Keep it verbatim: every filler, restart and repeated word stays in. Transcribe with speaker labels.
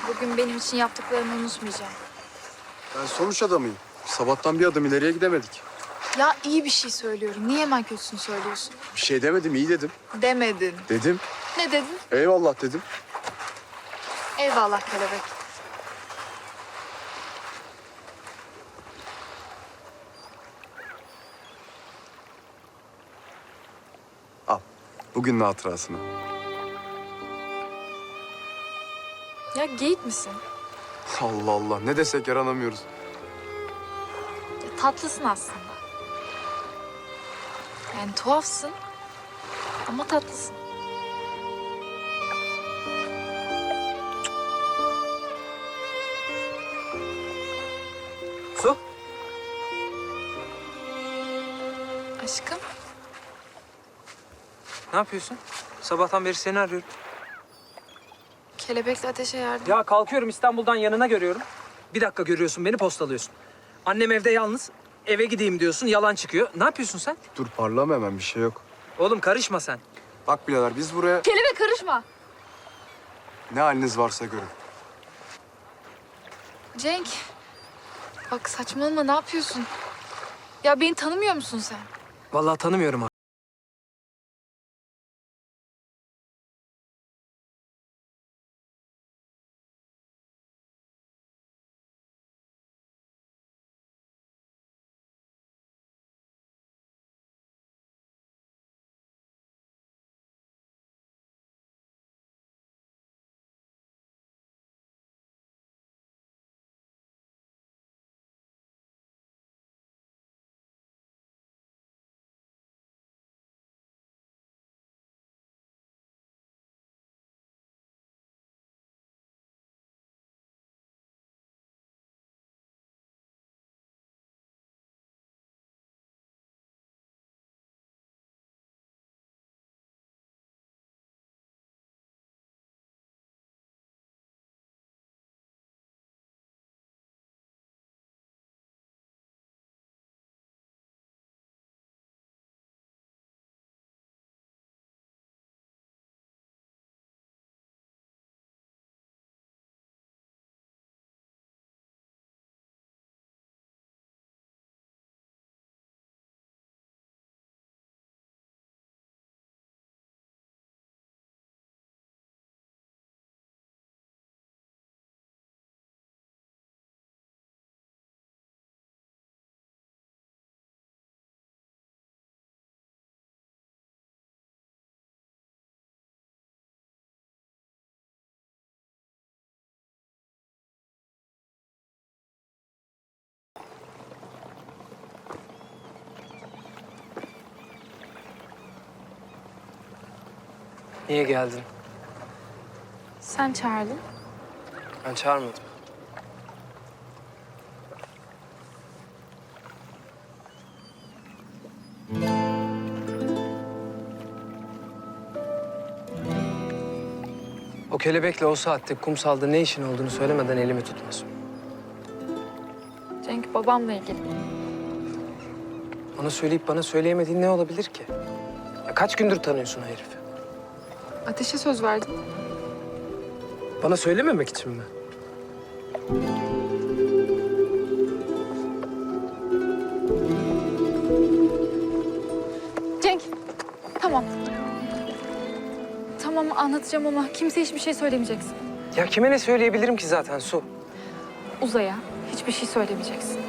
Speaker 1: Bugün benim için yaptıklarını unutmayacağım.
Speaker 2: Ben sonuç adamıyım. Sabahtan bir adım ileriye gidemedik.
Speaker 1: Ya iyi bir şey söylüyorum. Niye hemen kötüsünü söylüyorsun?
Speaker 2: Bir şey demedim, iyi dedim.
Speaker 1: Demedin.
Speaker 2: Dedim.
Speaker 1: Ne dedin?
Speaker 2: Eyvallah dedim.
Speaker 1: Eyvallah kelebek.
Speaker 2: Al. Bugünün hatırasını.
Speaker 1: Ya geyik misin?
Speaker 2: Allah Allah. Ne desek yaranamıyoruz.
Speaker 1: Ya, tatlısın aslında. Yani tuhafsın ama tatlısın.
Speaker 3: Su?
Speaker 1: Aşkım.
Speaker 3: Ne yapıyorsun? Sabahtan beri seni arıyorum.
Speaker 1: Kelebekle ateşe yardım.
Speaker 3: Ya kalkıyorum İstanbul'dan yanına görüyorum. Bir dakika görüyorsun beni postalıyorsun. Annem evde yalnız. Eve gideyim diyorsun yalan çıkıyor. Ne yapıyorsun sen?
Speaker 2: Dur parlama hemen, bir şey yok.
Speaker 3: Oğlum karışma sen.
Speaker 2: Bak birader, biz buraya
Speaker 1: Kelebek karışma.
Speaker 2: ne haliniz varsa görün.
Speaker 1: Cenk. Bak saçmalama, ne yapıyorsun? Ya beni tanımıyor musun sen?
Speaker 3: Vallahi tanımıyorum abi. Niye geldin?
Speaker 1: Sen çağırdın.
Speaker 3: Ben çağırmadım. O kelebekle o saatte kumsalda ne işin olduğunu söylemeden elimi tutmasın.
Speaker 1: Cenk babamla ilgili.
Speaker 3: Bana söyleyip bana söyleyemediğin ne olabilir ki? Ya kaç gündür tanıyorsun o herifi?
Speaker 1: Ateşe söz verdin.
Speaker 3: Bana söylememek için mi?
Speaker 1: Cenk, tamam. Tamam anlatacağım ama kimseye hiçbir şey söylemeyeceksin.
Speaker 3: Ya kime ne söyleyebilirim ki zaten Su?
Speaker 1: Uzaya hiçbir şey söylemeyeceksin.